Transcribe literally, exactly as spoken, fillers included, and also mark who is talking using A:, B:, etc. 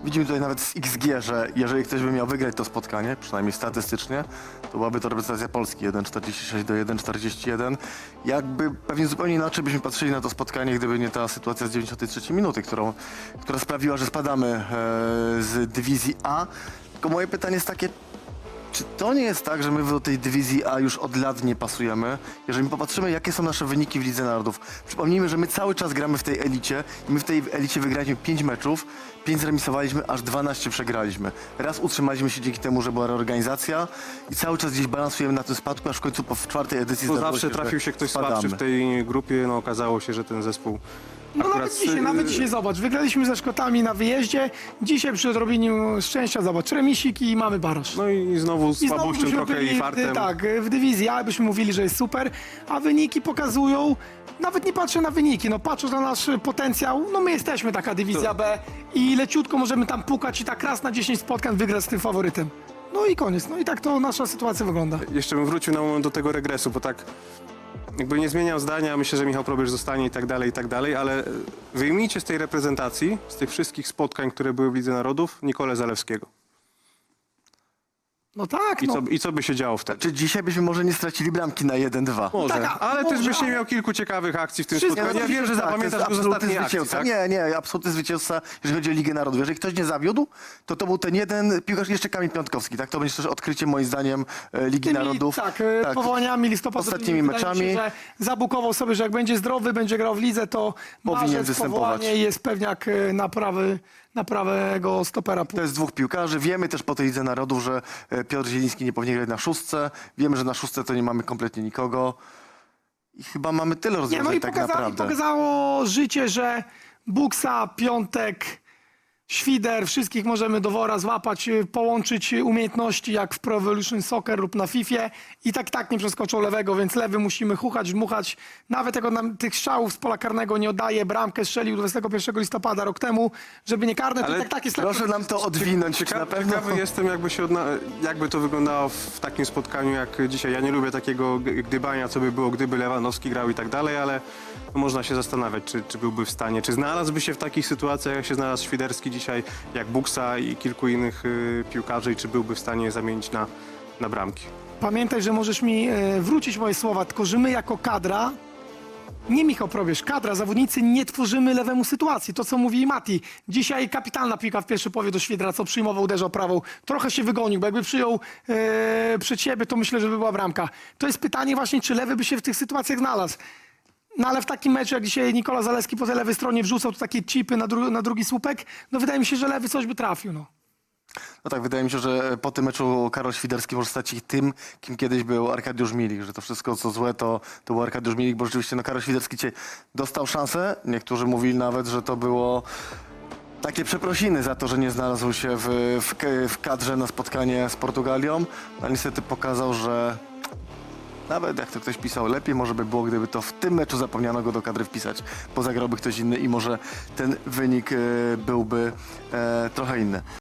A: widzimy tutaj nawet z X G, że jeżeli ktoś by miał wygrać to spotkanie, przynajmniej statystycznie, to byłaby to reprezentacja Polski jeden czterdzieści sześć do jeden czterdzieści jeden. Jakby pewnie zupełnie inaczej byśmy patrzyli na to spotkanie, gdyby nie ta sytuacja z dziewięćdziesiątej trzeciej minuty, którą, która sprawiła, że spadamy e, z dywizji A. Tylko moje pytanie jest takie, czy to nie jest tak, że my do tej dywizji A już od lat nie pasujemy? Jeżeli popatrzymy, jakie są nasze wyniki w Lidze Narodów. Przypomnijmy, że my cały czas gramy w tej elicie i my w tej elicie wygraliśmy pięć meczów, pięć zremisowaliśmy, aż dwanaście przegraliśmy. Raz utrzymaliśmy się dzięki temu, że była reorganizacja i cały czas gdzieś balansujemy na tym spadku, aż w końcu po w czwartej edycji
B: Bo
A: zdarzyło
B: zawsze
A: się,
B: trafił
A: że
B: się ktoś
A: spadamy.
B: słabszy w tej grupie, no okazało się, że ten zespół
C: No
B: akurat...
C: nawet dzisiaj, nawet dzisiaj zobacz, wygraliśmy ze Szkotami na wyjeździe, dzisiaj przy odrobieniu szczęścia zobacz, remisik i mamy baraż.
B: No i znowu
C: I znowu
B: słabością
C: byśmy
B: trochę
C: byli,
B: i fartem.
C: Tak, w dywizji A byśmy mówili, że jest super, a wyniki pokazują, nawet nie patrzę na wyniki, no patrząc na nasz potencjał, no my jesteśmy taka dywizja B i leciutko możemy tam pukać i tak raz na dziesięć spotkań wygrać z tym faworytem. No i koniec, no i tak to nasza sytuacja wygląda.
B: Jeszcze bym wrócił na moment do tego regresu, bo tak jakby nie zmieniał zdania, myślę, że Michał Probierz zostanie i tak dalej, i tak dalej, ale wyjmijcie z tej reprezentacji, z tych wszystkich spotkań, które były w Lidze Narodów, Nikolę Zalewskiego.
C: No tak,
B: I,
C: no.
B: co, I co by się działo wtedy?
A: Czy dzisiaj byśmy może nie stracili bramki na jeden dwa?
B: Może,
C: tak, a-
B: ale też
C: może,
B: byś nie
C: ale-
B: miał kilku ciekawych akcji w tym
C: Wszystko-
B: spotkaniu. Ja wiem, że
A: Tak, to
B: zapamiętasz
A: jest
B: go z
A: absolutny
B: ostatniej akcji,
A: zwycięzca.
B: tak?
A: Nie, nie, absolutny zwycięzca, jeżeli chodzi o Ligę Narodów. Jeżeli ktoś nie zawiódł, to to był ten jeden piłkarz, jeszcze Kamil Piątkowski. Tak, to będzie też odkrycie moim zdaniem e, Ligi
C: Tymi,
A: Narodów.
C: Tak, tak, powołaniami listopadowymi.
A: Ostatnimi
C: wydaje mi się,
A: meczami.
C: że zabukował sobie, że jak będzie zdrowy, będzie grał w lidze, to
A: Powinien
C: marzec,
A: występować.
C: powołanie jest pewniak e, na, prawy, na prawego stopera.
A: To jest dwóch piłkarzy. Wiemy też po tej Lidze Narodów, że e, Piotr Zieliński nie powinien grać na szóstce. Wiemy, że na szóstce to nie mamy kompletnie nikogo. I chyba mamy tyle
C: Nie,
A: rozwiązań
C: no i
A: tak
C: pokaza, i
A: naprawdę.
C: pokazało życie, że Buksa, Piątek, Świder, wszystkich możemy do wora złapać, y, połączyć umiejętności jak w Pro Evolution Soccer lub na Fifie i tak tak nie przeskoczą lewego, więc lewy musimy chuchać, dmuchać. Nawet jak on nam tych strzałów z pola karnego nie oddaje, bramkę strzelił dwudziestego pierwszego listopada rok temu, żeby nie karne, to
B: Ale
C: i tak tak jest
A: Proszę
C: lepszy.
A: nam to odwinąć. Czy na
B: Ciekawy,
A: pewno...
B: ciekawy jestem, jakby, się odna... jakby to wyglądało w takim spotkaniu jak dzisiaj. Ja nie lubię takiego g- gdybania, co by było, gdyby Lewandowski grał i tak dalej, ale no, można się zastanawiać, czy, czy byłby w stanie, czy znalazłby się w takich sytuacjach, jak się znalazł Świderski dzisiaj, jak Buksa i kilku innych y, piłkarzy, i czy byłby w stanie je zamienić na, na bramki.
C: Pamiętaj, że możesz mi e, wrócić moje słowa, tylko że my jako kadra, nie Michał Probierz, kadra, zawodnicy nie tworzymy lewemu sytuacji. To, co mówi Mati. Dzisiaj kapitalna piłka w pierwszej połowie do Świdra, co przyjmował, uderzał prawą. Trochę się wygonił, bo jakby przyjął e, przed siebie, to myślę, że by była bramka. To jest pytanie właśnie, czy lewy by się w tych sytuacjach znalazł. No ale w takim meczu, jak dzisiaj Nikola Zalewski po tej lewej stronie wrzucał tu takie chipy na, dru na drugi słupek, no wydaje mi się, że lewy coś by trafił, no.
A: No tak, wydaje mi się, że po tym meczu Karol Świderski może stać się tym, kim kiedyś był Arkadiusz Milik, że to wszystko, co złe, to, to był Arkadiusz Milik, bo rzeczywiście no, Karol Świderski dzisiaj dostał szansę. Niektórzy mówili nawet, że to było takie przeprosiny za to, że nie znalazł się w, w, w kadrze na spotkanie z Portugalią, ale niestety pokazał, że nawet jak to ktoś pisał, lepiej może by było, gdyby to w tym meczu zapomniano go do kadry wpisać, bo zagrałby ktoś inny i może ten wynik e, byłby e, trochę inny.